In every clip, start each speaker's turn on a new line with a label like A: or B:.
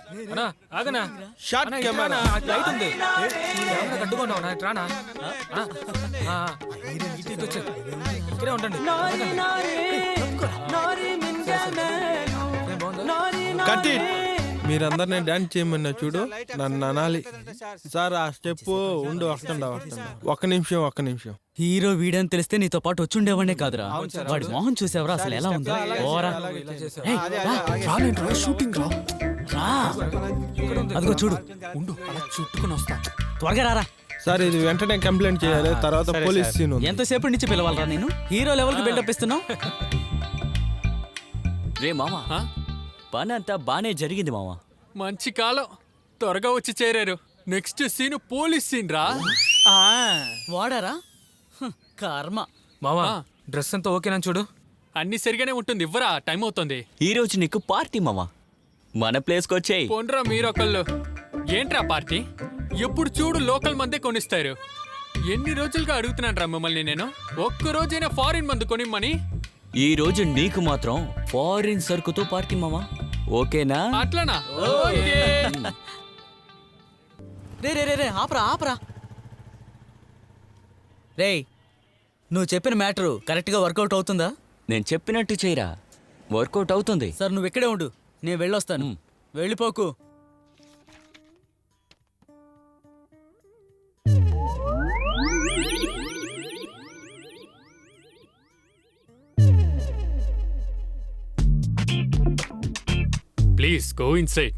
A: అన్నా ఆగనా
B: షార్ట్
A: అన్నా, ఇటు
B: కెమెరా
A: రానా? అటు లైట్ ఉంది కెమెరా కట్టుకున్నావు నా ఇటు రానా ఇటు వచ్చే ఇక్కడే ఉండండి
B: కట్ ఇట్. మీరందరు నేను డాన్స్ చేయమన్నా చూడు, నన్ను అనాలి. సార్ ఆ స్టెప్ ఉండు, వస్తుండా. ఒక్క నిమిషం.
C: హీరో వీడని తెలిస్తే నీతో పాటు వచ్చుండేవాడే కాదురా. వాడి మొహం చూసావరా అసలు ఎలా ఉందో? ఓరా
A: షూటింగ్ రా
C: రా. అదిగో చూడు,
A: ఉండు అలా చుట్టుకుని వస్తా
C: త్వరగా రారా.
B: సార్ ఇది వెంటనే కంప్లైంట్ చేయాలి, తర్వాత పోలీస్ సీన్ ఉంది.
C: ఎంతసేపు నుంచి పిలవాలరా నేను? హీరో లెవెల్ కి బిల్డప్ ఇస్తున్నావు.
D: రే మామా, పని అంతా బానే జరిగింది మామా.
A: మంచి కాలం త్వరగా వచ్చి చేరారు. నెక్స్ట్ సీన్ పోలీస్ సీన్ రా.
C: వాడారా కర్మ.
A: మావా డ్రెస్ అంతా ఓకేనా చూడు? అన్ని సరిగానే ఉంటుంది, ఇవ్వరా టైం అవుతుంది.
D: ఈ రోజు నీకు పార్టీ మామా, మన ప్లేస్ కి వచ్చేయ్.
A: పోన్రా మీరొకళ్ళు. ఏంట్రా పార్టీ? ఎప్పుడు చూడు లోకల్ మందే కొనిస్తారు. ఎన్ని రోజులుగా అడుగుతున్నాను రా మిమ్మల్ని నేను, ఒక్క రోజైనా ఫారిన్ మందు కొనిమ్మని.
D: ఈ రోజు నీకు మాత్రం ఫారిన్ సరుకుతో పార్టీ మామా, ఓకేనా?
A: అట్లనా?
C: రే రే రే రే ఆపరా. రేయ్, నువ్వు చెప్పిన మ్యాటరు కరెక్ట్గా వర్కౌట్ అవుతుందా?
D: నేను చెప్పినట్టు చేయరా, వర్కౌట్ అవుతుంది.
C: సార్ నువ్వు ఇక్కడే ఉండు, నేను వెళ్ళొస్తాను. వెళ్ళిపోకు.
A: Please go inside.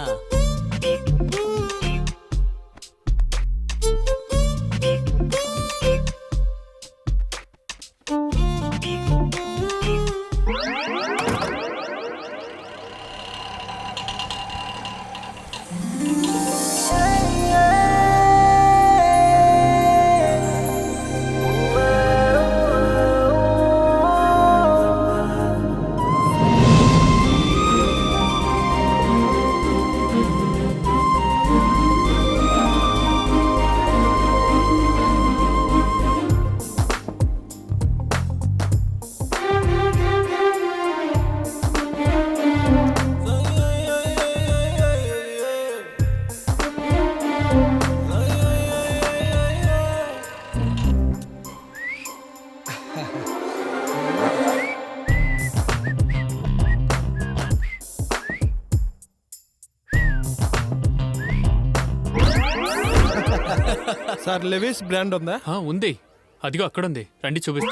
B: Sir Levi's brand ఉందా?
A: ఉంది, అదిగో అక్కడ ఉంది, రండి చూపిస్తా.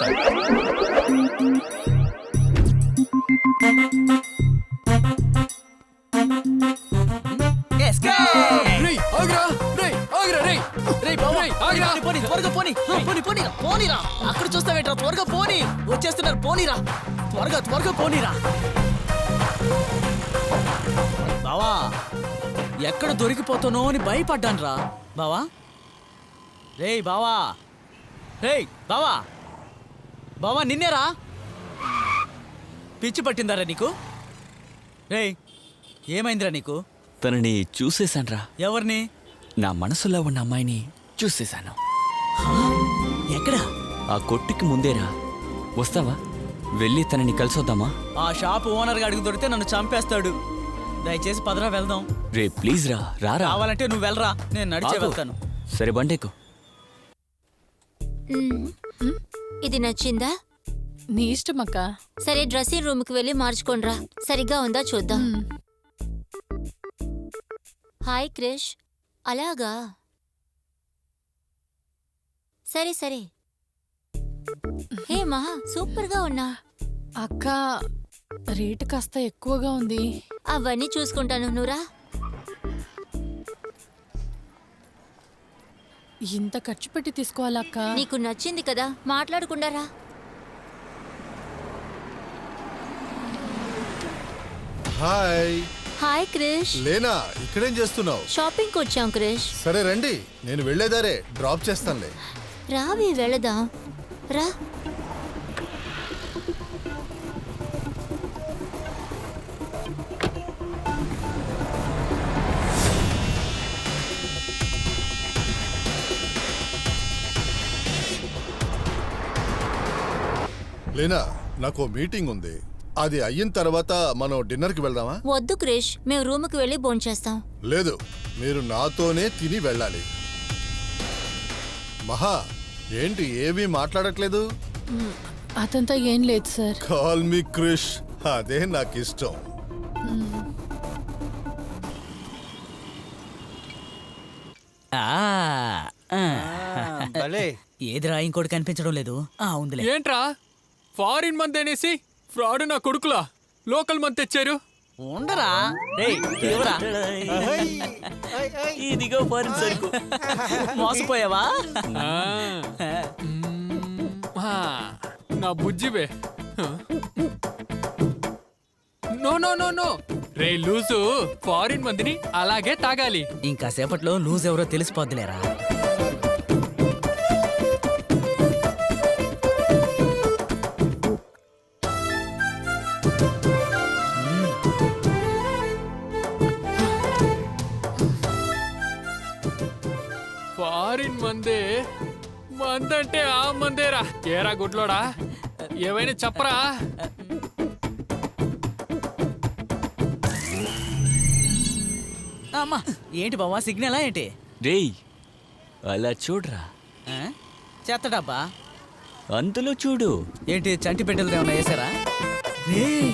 C: అక్కడ చూస్తావేట్రా? త్వరగా పోనీ, వచ్చేస్తున్నారు. పోనీరా, త్వరగా పోనీరా. బావా ఎక్కడ దొరికిపోతానో అని భయపడ్డాను రా బావా. రేయ్ బావా, బావా నిన్నేరా. పిచ్చి పట్టిందారా నీకు? రేయ్ ఏమైందిరా నీకు?
D: తనని చూసేశాన్రా.
C: ఎవరిని?
D: నా మనసులో ఉన్న అమ్మాయిని చూసేశాను.
C: ఎక్కడా?
D: ఆ కొట్టుకి ముందేరా. వస్తావా? వెళ్ళి తనని కలిసొద్దామా?
C: ఆ షాప్ ఓనర్ గా అడుగు దొరికితే నన్ను చంపేస్తాడు. దయచేసి పదరా వెళ్దాం.
D: రే ప్లీజ్ రా.
C: రావాలంటే నువ్వు వెళ్ళరా, నేను నడిచే వెళ్తాను.
D: సరే బండేకు.
E: ఇది నచ్చిందా?
F: నీ ఇష్టం అక్క.
E: సరే డ్రెస్సింగ్ రూమ్ కి వెళ్ళి మార్చుకోనరా, సరిగ్గా ఉందా చూద్దాం. హాయ్ క్రిష్. అలాగా, సరే. హే మహా, సూపర్ గా ఉన్నా.
F: అక్క రేటు కాస్త ఎక్కువగా ఉంది.
E: అవన్నీ చూసుకుంటాను, నువ్వురా.
F: ఇంత ఖర్చు పెట్టి తీసుకోవాలక్క.
E: నీకు నచ్చింది కదా, మాట్లాడకుండా రా. హాయ్ క్రిష్.
G: లేనా, ఇక్కడేం చేస్తున్నావు?
E: షాపింగ్ కి వచ్చాం క్రిష్.
G: సరే రండి, నేను వెళ్లేదారే డ్రాప్ చేస్తానులే.
E: రావి వెళదాం రా.
G: లేనా, నాకు మీటింగ్ ఉంది, అది అయిన తర్వాత మనం డిన్నర్కి వెళ్దామా?
E: వద్దు క్రిష్, మేము రూముకి వెళ్ళి భోంచేస్తాం.
G: లేదు, మీరు నాతోనే తిని వెళ్ళాలి. మహా, ఏంటి ఏమీ మాట్లాడట్లేదు?
F: అదంతా ఏం లేదు సార్.
G: కాల్ మీ క్రిష్, అదే నాకు ఇష్టం.
C: ఏదిరా ఇంకోటి కనిపించడం లేదు. ఉందిలే.
A: ఏంట్రా ఫారిన్ మంది అనేసి ఫ్రాడ్ నా కొడుకులా లోకల్ మంది తెచ్చారు.
C: ఉండరా ఇవ్వరా.
D: ఇదిగో ఫారిన్ సరుకు.
C: మోసపోయావా?
A: ఆ. ఆ, నా బుజ్జివే. నో నో నో నో రే లూజు, ఫారిన్ మందిని అలాగే తాగాలి.
C: ఇంకా సేపట్లో లూజ్ ఎవరో తెలిసిపోద్దులేరా.
A: ఫారిన్ మందే మందంటే ఆ మందేరా. ఏరా గుడ్లోడా, ఏమైనా చెప్పరా?
C: అమ్మా ఏంటి బావా, సిగ్నలా ఏంటి?
D: రేయ్ అలా చూడరా,
C: ఆ? చెత్త డబ్బా
D: అందులో చూడు.
C: ఏంటి, చంటి పెట్టెలు ఏమన్నా వేసారా? రేయ్,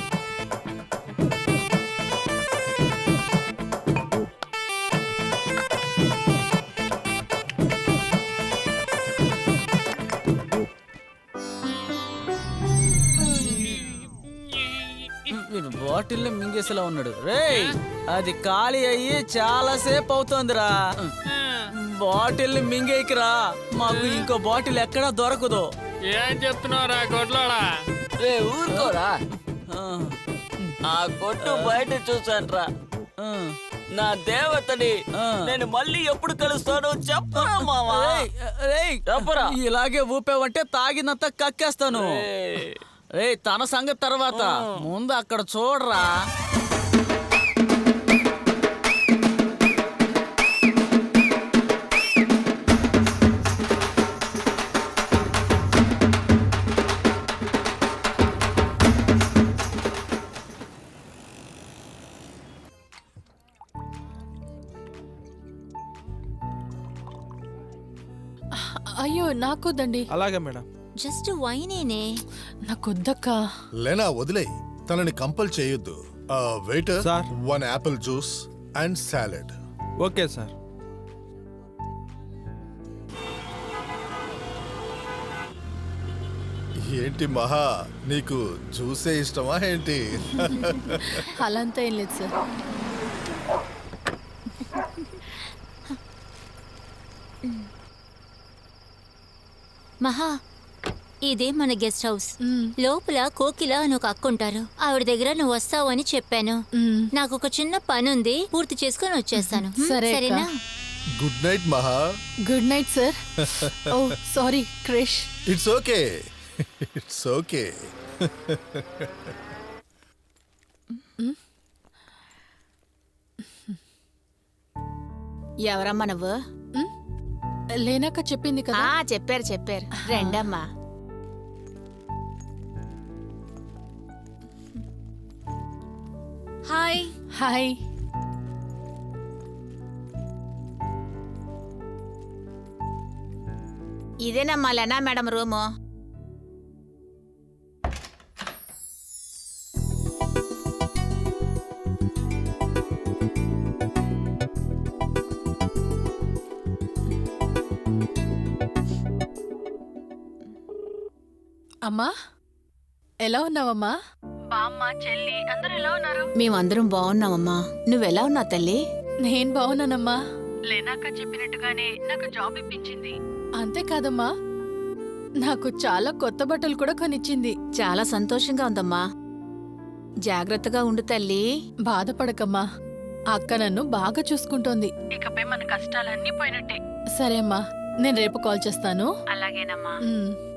C: వీడు బాటిల్ మింగేసేలా ఉన్నాడు. రేయ్, అది ఖాళీ అయ్యి చాలా సేపు అవుతోందిరా. బాటిల్ మింగేకిరా, మాకు ఇంకో బాటిల్ ఎక్కడా దొరకదు.
A: ఏం చెప్తున్నావురా గుడ్లోడా?
D: రే ఊరుకోరా,
C: ఆ,
D: ఆ కొట్టు బయట చూసాన్రా.
C: ఆ.
D: నా దేవతని
C: ఆ.
D: నేను మళ్ళీ ఎప్పుడు కలుస్తానో చెప్పరా మావా.
C: రేయ్, రేయ్,
D: చెప్పరా.
C: ఇలాగే ఊపావంటే తాగినంత కక్కేస్తాను. రేయ్, తన సంగతి తర్వాత ముందు అక్కడ చూడరా.
F: అయ్యో నాకొద్దండి.
B: అలాగే మేడం.
E: జస్ట్ వైనేనే.
F: నాకొద్దక్క.
G: లేనా వదిలే, తనని కంపల్ చేయొద్దు. Waiter,
B: sir.
G: 1 apple juice and salad.
B: Okay sir.
G: ఏంటి మహా, నీకు జ్యూసే ఇష్టమా ఏంటి?
F: అలాంతా ఏం లేదు సార్.
E: మహా, ఇదే మన గెస్ట్ హౌస్.
F: మ్,
E: లోపల కోకిల అని ఒక అక్క ఉంటారు. ఆవిడ దగ్గర నువ్వు వస్తావు అని చెప్పాను.
F: మ్.
E: నాకు ఒక చిన్న పని ఉంది, పూర్తి చేసుకొని వచ్చేస్తాను.
F: సరే అక్క.
E: సరేనా?
G: Good night Maha.
F: Good night sir. Oh sorry Krish.
G: It's okay, it's okay.
H: ఎవరమ్మా నువ్వు?
F: లేనాక చెప్పింది కదా.
H: చెప్పారు రెండమ్మా.
E: హాయ్.
F: హాయ్.
H: ఇదేనమ్మా లెనా మేడం రూము.
F: అమ్మా ఎలా ఉన్నావమ్మా?
H: మేమందరం బాగున్నామమ్మా. నువ్వెలా ఉన్నావు తల్లి?
F: నేను బాగున్నానమ్మా.
I: లేనాక చెప్పినట్టుగానే నాకు జాబ్ ఇప్పించింది.
F: అంతేకాదమ్మా, నాకు చాలా కొత్త బట్టలు కూడా కొనిచ్చింది.
H: చాలా సంతోషంగా ఉందమ్మా. జాగ్రత్తగా ఉండు తల్లి.
F: బాధపడకమ్మా, అక్క నన్ను బాగా చూసుకుంటోంది.
I: ఇకపై మన కష్టాలన్నీ పోయినట్టే.
F: సరే అమ్మా, నేను రేపు కాల్ చేస్తాను.
I: అలాగేనమ్మా.
F: మ్.